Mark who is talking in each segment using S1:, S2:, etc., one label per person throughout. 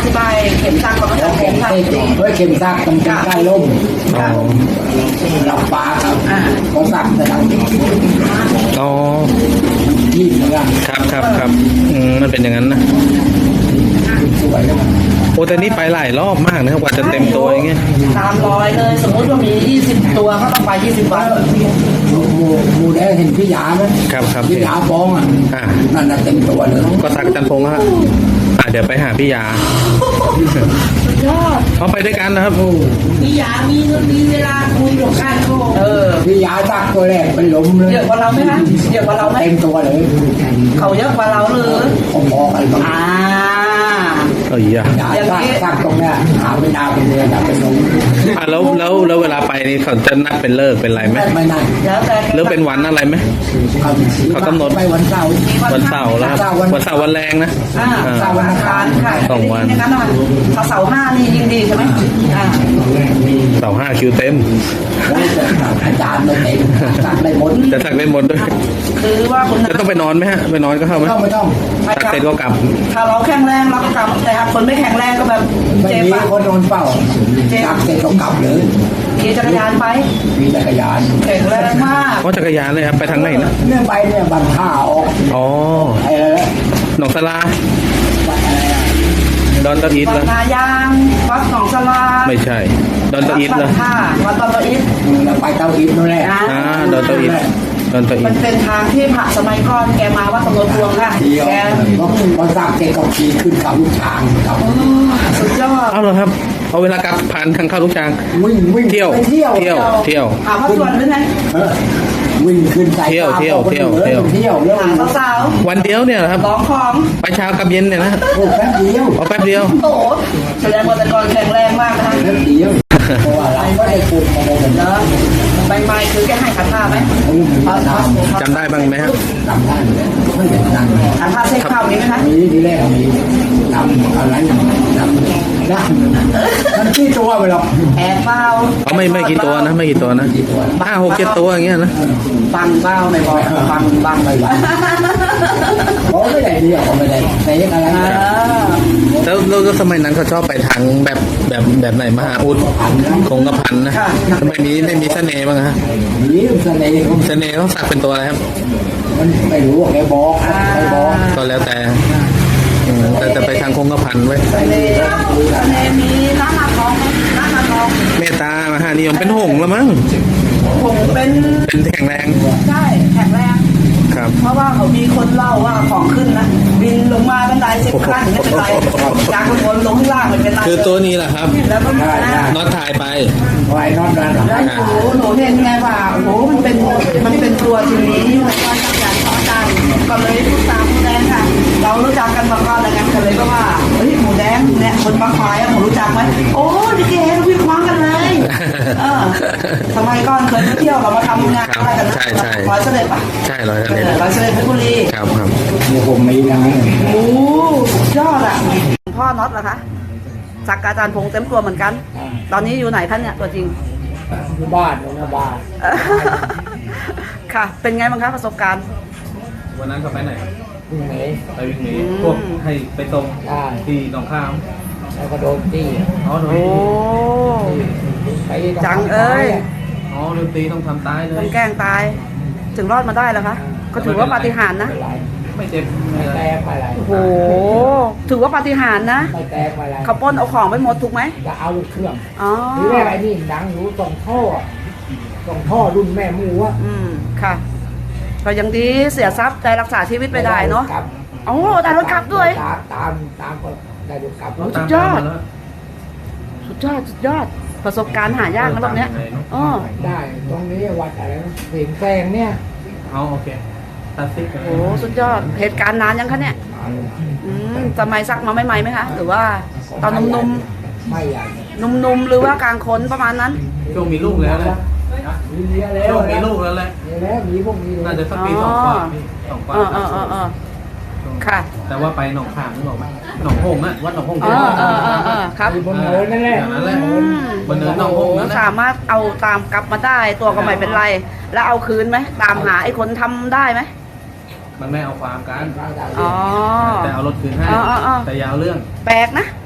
S1: ธิบายเข็มซักก่อนว่า
S2: แล้วเข็
S1: เข็
S2: ม
S1: มซัก
S2: เส้นด้วยเข็มซักตรงใกล้ล่ม
S3: อ๋อ
S2: หลับฟ้าครับเขาซักแต่เรา
S3: อ๋อ
S2: ยิ่งเหมือนกัน
S3: ครับมันเป็นอย่างนั้นนะ
S2: สวยแล้ว
S3: โอ้แต่นี่ไปหลายรอบมากนะครับกว่าจะเต็มตัวอย่างเงี้ย
S1: 300เลยสมมติว่ามี20ตัวก็ต้องไป20 วัน
S2: มูได้เห็นพี่ยาไหม
S3: ครับ
S2: พี่ยาฟ้องนั่นน่ะเต็มตัวเลย
S3: ก็สักจันพงษ์ฮะเดี๋ยวไปหาพี่ยา
S1: ยอด
S3: เขาไปด้วยกันนะครับ
S1: พี่ยามีเวลาคุยกับกัน
S2: พี่ยาซักตัวแรกเป็นลมเลย
S1: เยอะกว่าเราไหมคะเยอะกว่าเราไหม
S2: เต็มตัวเลย
S1: เขาเยอะกว่าเราหรือ
S2: พอๆกันบ้าง
S3: เอ้ย
S2: ยาซักตรงเนี้ยหาไม่นานเป็นเดือนอยากเป็นลม
S3: แล้วเวลาไปนี่เขาจะนัดเป็นเลิกเป็นอะไรไหม
S2: ไม่นาน
S1: แล้วแต่
S3: หรือเป็นวันอะไรไหม เขากำหนด
S2: ไปวันเสาร์
S3: วันเสาร์แล้วครับวันเสาร์วันแรงนะ
S1: เสาร์วันอังคารค่ะ
S3: 2 วัน
S1: ในนั้นหน่อยถ้าเสาร์5นี่ยิ่งดีใช่ไหม
S3: เสาร์5คิวเต็ม
S2: อาจารย์ไม่เต็มซักได้หมด
S3: จะสักได้หมดด้วย
S1: คือว่าคุณ
S3: จะต้องไปนอนไหมฮะไปนอนก็เข้าไหม
S2: ไม่ต้อง
S3: สักเสร็จก็กลับ
S1: ถ้าเราแข็งแรงเราก็กลับแต่ถ้าคนไม่แข็งแรงก็แบบ
S2: ไม่
S1: เจ็บ
S2: มี
S1: อะ
S2: คนโดนเฝ้าซักเสร็จก็กลับเลย
S1: ขี่จักรยานไป
S2: มีจักรยาน
S1: แข็งแรงมาก
S3: เพราะจักรยานเลยครับไปทางไหนนะ
S2: เนี่ยไปเนี่ยบันท่าออก
S3: อ๋อ
S2: ไอ้แล้ว
S3: หนองสลา
S2: บันอะไรอ่ะ
S3: ดอนตะอีท
S1: วั
S3: แล้
S1: ด
S3: ว
S1: นายางวัดหนองสลา
S3: ไม่ใช่ดอนตะอีท
S1: วั
S3: แล้ว
S1: ดท่าวัดตะอีท
S2: เราไปเตาอิฐนั่นแหละ
S3: ดอนตะอีทดอนตะอี
S1: มั
S3: ท
S1: นเป็นทางที่พระสมัยก่อนแกมาวัดตำรวจพวงค่ะ
S2: เที่ยว
S1: แก
S2: พอซักเสร็จก็ขี่ขึ้นเขาลูกช้างครับ
S1: สุดยอด
S3: เอาเหรอครับเอาเวลากลับผ่านทางเข้าลูกช้าง
S2: วิ่ง
S3: เที่ยว
S2: ไปเที่ยว
S3: เที่ยว
S1: หาพระส่วนด้วยไง
S2: วิ่งขึ้นใจ
S3: เที่ยว
S2: เที่ยวแล้ว
S1: หาสาว
S3: วันเดียวเนี่ยเหรอครับ
S1: ๆร้องของ
S3: ไปเช้ากับเย็นเนี่ยนะ
S2: โอ้แป๊บเดียว
S3: เอาแป๊บเดียว
S1: โอ้โหแสดงว่าแต่ก่อนแข็งแรงมากนะคะ
S2: แป๊บเดียวเพราะว่าเราก็ได้ปลูกมาเลยนะ
S1: เนาะใบไม้คือแกให้ขันท่าไหม
S3: จำได้บ้างไหมฮะ
S2: จำได้ไม่เห็นนั่ง
S1: ขันท่าเส้นข้าวนี้ไหมคะ
S2: มีทีแรกมีทำอะไรทำได้มันขี้ตัวไปหรอก
S1: แอบเฝ้า
S3: เขาไม่กี่ตัวนะไม่กี่ตัวนะ5 6 7ตัวอย่างเงี้ยนะ
S1: บังเฝ้าในบ่อบัง
S2: ไม่ไหวเขาไม่ได้เดียวเขาไม่ได้แต่ยังอะไร
S3: แล้วสมัยนั้นเขาชอบไปทางแบบไหนมหาอุดคงกระพันนะทำไมไม่มีเสน่ห์บ้างฮะ
S2: มีเสน่ห์
S3: เสน่ห์เขาสักเป็นตัวอะไรครับ
S2: มันไม่รู้แกบอกใครบอก
S3: ก็แล้วแต่แต่ไปทางคงกระพันไว้
S1: ทะเลมีน้ำมาทองน้ำมาทอง
S3: เมตตามหานิยมเป็นหงส์แล้วมั้ง
S1: ผมเป็น
S3: เป็นแข็งแรง
S1: ใช่แข็งแรง
S3: ครับ
S1: เพราะว่าเขามีคนเล่าว่าของขึ้นนะบินลงมาบันได10 ขั้นไม่เป็นไรจากข้างบนลงข้างล่างไม่เป็นไร
S3: คือตัวนี้แหละครับ
S1: แล้วก็มา
S3: น็อตถ่ายไป
S2: ไว้นอนนั่น
S1: แล้วหนูเห็นไงว่าโอ้โหมันเป็นตัวทีนี้แล้วก็จักรยานสองจานก็เลยพูดตามหมูแดงค่ะ เรารู้จักกันมาก่อนแล้วกันก็เลยก็ว่าเฮ้ยหมูแดงเนี่ยคนบางควายอะผมรู้จักไหมโอ้ดิเกวิ่งคว้างกันเลยสมัยก่อนเคยไปเที่ยวเรามาทำงานอะไรกันนะร้อยเสด็จปะ
S3: ใช่ร้อย
S1: ร้อยเสด็จเพชรบุรี
S3: ครับ
S2: มีผมมีนะ
S1: โอ้ยอดอ่ะพ่อน็อตเหรอคะสักอาจารย์พงษ์เต็มตัวเหมือนกัน ตอนนี้อยู่ไหนท่านเนี่ยตัวจริง
S2: อยู่บ้านอยู่หน้าบ้าน
S1: ค่ะ เป็นไงบ้างคะประสบการณ์
S3: วันนั้นเขาไปไหน
S2: ที่ไหน
S3: ไปวิ่งหนีพวกให้ไปตรงที่หนองข้าม
S2: แล้วก็โดนตี
S3: อ๋อโดน
S1: โอ้
S2: ไป
S1: จังเอ้ย
S3: อ๋อโดนตีต้องทำตายเล
S1: ต้
S3: ย
S1: องแกล้งตาย ถึงรอดมาได้แล้วคะ ก็ถือว่าปาฏิหาริย์นะ
S3: ไม่เจ็บ
S2: ไม่แตกไปอะไร
S1: โอ้โห ถือว่าปาฏิหาริย์นะ
S2: ไม่แตกไปอะไร
S1: เขาปล้นเอาของไปหมดถูกไหม
S2: จะเอาลูกเครื่อง
S1: อ๋อ
S2: ทีแรกไอ้นี่ดังอยู่ส่งท่อรุ่นแม่หมูอะ
S1: ค่ะ ก็ยังดีเสียทรัพย์ได้รักษาชีวิตไปได้เนาะ
S2: ครับ
S1: โอ้ได้รถกลับด้วย
S2: ตามก็ได้รถกลับ
S1: สุดยอด สุดยอด สุดยอด ประสบการณ์หายากนะแบบเนี้ยอ๋อ
S2: ได้ตรงนี้วัดอะไรนะเสียงแซงเนี่ย
S3: เอาโอเคตัดซิก
S1: โอ้สุดยอด เหตุการณ์นานยังคะเนี่ยสมัยซักมาใหม่ๆไหมคะ หรือว่าตอนนุ่ม
S2: ไม่ใหญ่
S1: ๆ นุ่มๆ หรือว่ากลางคนประมาณนั้น
S3: ช่วงมีลูกแล้วแหละ
S2: มีเมียแล้ว
S3: ช่วงมีลูกแล้วแหละ
S2: มีแล้วมีพวกนี้
S3: น่าจะสักปี2 กว่า2 กว่า
S1: ค่ะ
S3: แต่ว่าไปหนองขามนึกออกไหมหนองหงส์อะวัดหนองหงส์
S1: ครับ
S2: มีบนเนินนั่นแหละ
S3: นั่นแหละบนเนินหนองหงส์นั่นแหละ
S1: สามารถเอาตามกลับมาได้ตัวก็ไม่เป็นไร แล้วเอาคืนไหมตามหาไอ้คนทำได้ไหม
S3: มันไม่เอาความกัน
S1: อ๋อ
S3: แต่เอารถคืนให้
S1: อ๋อ
S3: แต่อยาวเรื่อง
S1: แปลกนะ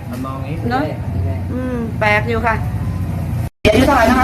S3: มองนี้
S1: เนาะแปลกอยู่ค่ะอายุเท่าไหร่นะคะ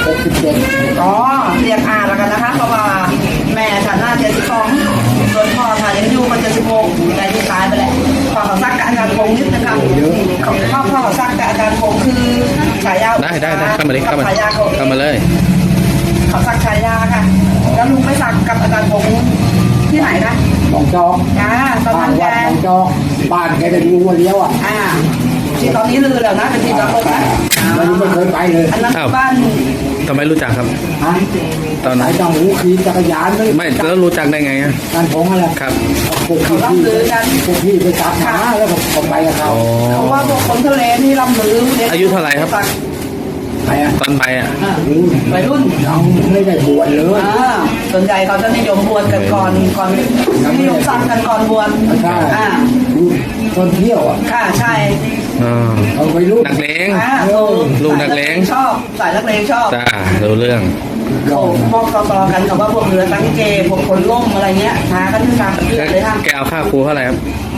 S2: 67
S1: อ๋อเรียกอาแล้วกันนะคะ เพราะว่าแม่ฉันน่า72ส่วนพ่อฉันยังอยู่มัน76แต่ที่ตายไปแล้วพ่อเขาซักกับอาจารย์พงษ์นิดนะคะพ่อเขาซักกับอาจารย์พงษ์คือฉายา
S3: ได้เข้ามาดิเข้ามา
S1: ฉายาเขา
S3: เข้ามาเลย
S1: เขาซักฉายาค่ะ แล้วลุงไปซักกับอาจารย์พงษ์ที่ไหนนะ
S2: หนองจอก
S1: ตอน
S2: บ้า
S1: นั้น นแก
S2: วัดหนองจอกบ้านแกจะอยู่หัวเลี้ยวอ่ะ
S1: ที่ตอนนี้ลือแล้วนะเป็นที่ตลกนะ
S2: มันไม่เคยไปเลย
S1: อันนั้นบ้าน
S3: ทำไมรู้จักครับ
S2: ฮะ
S3: ตอนไหน
S2: สายจังหูขี่จักรยานเลย
S3: ไม่แล้วรู้จักได้ไงอะ
S2: การผงอะไร
S3: ครับ
S2: พวกพี่พวกพี่ไปตัดหาแล้วก็ไปกับเขา
S3: อ๋อ
S1: เขาว่าพวกคนทะเลนี่ลำลือ
S3: อายุเท่าไหร่ครับ
S2: ไปอ่ะ
S3: ตอนไปอ่ะ
S1: วัยรุ่น
S2: เราไม่ได้บวชเลย
S1: ส่วนใหญ่เขาจะนิยมบวชกันก่อนนิยมสั่งกันก่อนบวช
S2: ใช่คนเที่ยวอ่ะ
S1: ค่ะใช่
S3: อ๋อ
S2: เอาไปลูก
S3: นักเลง
S1: ลูกนักเลงชอบสายนักเลงชอบ
S3: จ้ารู้เรื่อง
S1: โอ้พวกต่อๆกันเขาว่าพวกเรือตั้งเกพวกคนล่มอะไรเงี้ยหากันที่ทางเรือเลยค่ะ
S3: แกเอาค่าครูเท่าไหร่ครับ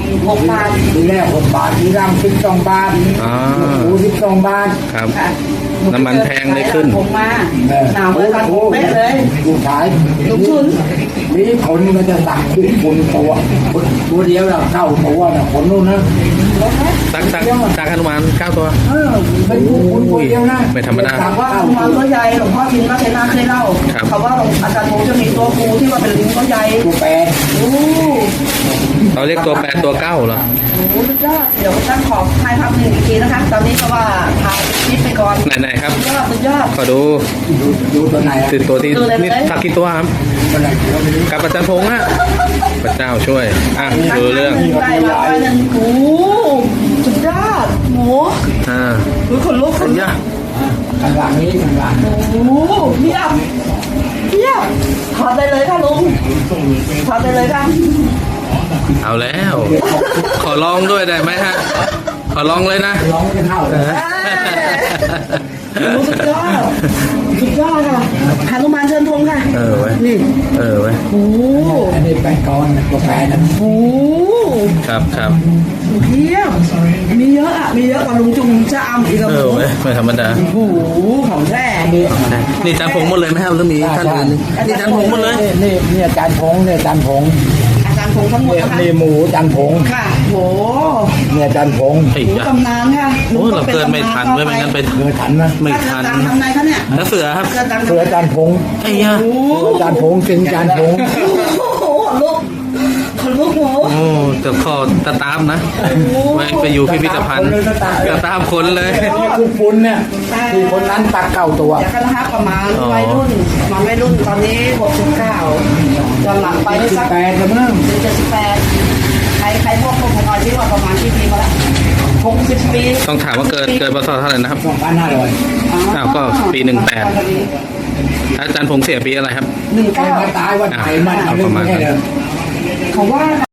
S1: 6 บาท
S2: ทีแรก6 บาททีหลัง12 บาท
S3: อ๋อ
S2: หู12 บาท
S3: ครับ
S1: ค่ะ
S3: น้ำมันแพงเลยขึ้น
S1: ผมมาหนาวเหมือนกันเป๊ะเลย
S2: ลูกชาย
S1: ลูกชุน
S2: มีคนก็จะสั่งขึ้นคนตัวเดียวเราเข้าตัวนะคนนู้นนะ
S3: สักฮนุมาน9 ตัว
S2: เป็นคนตัวเดียวนะ
S3: ไม่ธรรมดา
S1: ถามว่าหลวงพ่อตัวใหญ่หลวงพ่อทิมก็เทนาเคยเล่า
S3: ครับ
S1: เขาว่าอาจารย์ผมจะมีตัวครูที่ว่าเป็นลิงตัวใหญ่
S2: ตัวแปร
S1: โอ้
S3: เราเรียกตัว8 ตัว 9เหรอ
S1: โหสุดยอดเดี๋ยวตั้งขอถ่ายภาพหนึ่งอีกทีนะคะ ตอนนี้ก็ว่าถ่ายคลิปไปก่อน
S3: ไหนๆครับ
S1: สุดยอด
S3: ขอดู
S2: ดูตัวไหน
S3: คือตัวที่
S1: ดูเลย
S3: นี่สักกี่ตัวครับ
S2: ตัวไหนเราไม่รู้
S3: กับอาจารย์พงษ์อะพระเจ้าช่วย อ่ะดูเรื่อง
S1: ได้มาไปหนึ่งโอ้สุดยอดโห
S3: อ่า
S1: ดูขนลุกขนลุก
S3: ย่า
S2: ข้างหลังนี้ข้างหลัง
S1: โอ้เทียบเทียบถอดได้เลยค่ะลุงถอดได้เลยค่ะ
S3: เอาแล้ว ขอลองด้วยได้ไหมฮะ ขอลองเลยนะ
S2: ร้องไม่เท่าเลย
S1: โอ้สุดยอดสุดยอดค่ะหานุมานเชิญธงค่ะ
S3: เออเว้ย
S1: นี่
S3: เออเว้ย
S1: โอ้
S2: อันนี้แปลงกอนตัวแปรนะ
S1: โห
S3: ครับครับ
S1: เทียบมีเยอะอ่ะ มีเยอะกว่าลุงจุงจะอำอีกกับ
S3: เอ
S1: ห
S3: อ
S1: มู
S3: เว้ยไม่ธรรมดา
S1: โอ้โหของแท้มี
S3: นี่อาจารย์พงษ์หมดเลยไหมครับหรือมีท่านอื่นนี่อาจารย์พงษ์หมดเลย
S2: นี่อาจารย์พงเนี่ยอาจารย์พง
S1: อาจารย์พงษ์ทั้งหมดนะคะ
S2: นี่หมูอาจารย์พง
S1: ค่ะโห
S2: เนี่ยอาจารย์พง
S3: ไอ้
S1: หมู
S3: ยะ
S1: ตำนานค่ะ
S3: โอ้เราเกินไม่ทันเว้ยไม่งั้นไป
S2: เคยทันนะ
S3: ไม่
S1: ท่า
S3: ทั
S1: น
S3: น
S1: ทำไงคะเนี่ย
S3: แล้วเสือครับ
S1: เกิดดัง
S2: เคยอาจารย์พง
S3: ไอ้ยะ
S1: โอ้โห
S2: อาจารย์พงเป็นอาจารย์พง
S1: โอ้โหลุกคนลุกโห
S3: โอ้แต่ขอตาตามนะไปอยู่พิพิธภัณฑ์ตาตามคนเลย
S2: นี่คือปุนเนี่ยที่คนนั้นตัดเก่าตัว
S1: เดี๋ยวกันนะคะประมาณวัยรุ่นมาวัยรุ่นตอนนี้69วันหลังไปได้สัก
S2: 18แล้วมั้ง
S1: หรือ78ใครพวกพวกพนอยที่ว่าประมาณกี่ปีมาแล้ว60 ปี
S3: ต้องถามว่าเกิดพศเท่าไหร่นะครับ
S2: 2,500
S3: อ้าวก็ปี18 อาจารย์พงษ์เสียปีอะไรครับ
S2: แกมาตายวันไหนมันเอาเรื่องไม่ได้เลย
S1: เขาว่า